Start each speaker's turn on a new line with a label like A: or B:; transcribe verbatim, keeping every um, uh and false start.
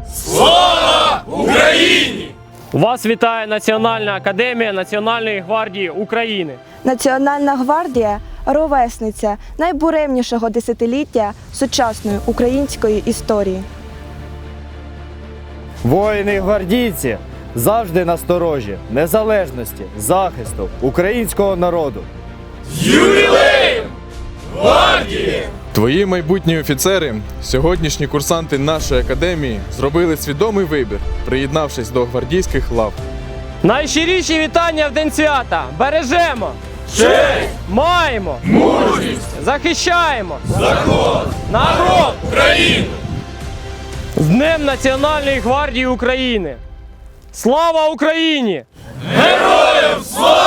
A: Слава Україні!
B: Вас вітає Національна академія Національної гвардії України.
C: Національна гвардія – ровесниця найбуремнішого десятиліття сучасної української історії.
D: Воїни-гвардійці завжди насторожі незалежності, захисту українського народу.
A: З ювілеєм гвардії!
E: Твої майбутні офіцери, сьогоднішні курсанти нашої академії, зробили свідомий вибір, приєднавшись до гвардійських лав.
B: Найщиріші вітання в день свята! Бережемо!
A: Честь!
B: Маємо!
A: Мужність!
B: Захищаємо!
A: Закон!
B: Народ!
A: Україну!
B: З Днем Національної гвардії України! Слава Україні!
A: Героям слава!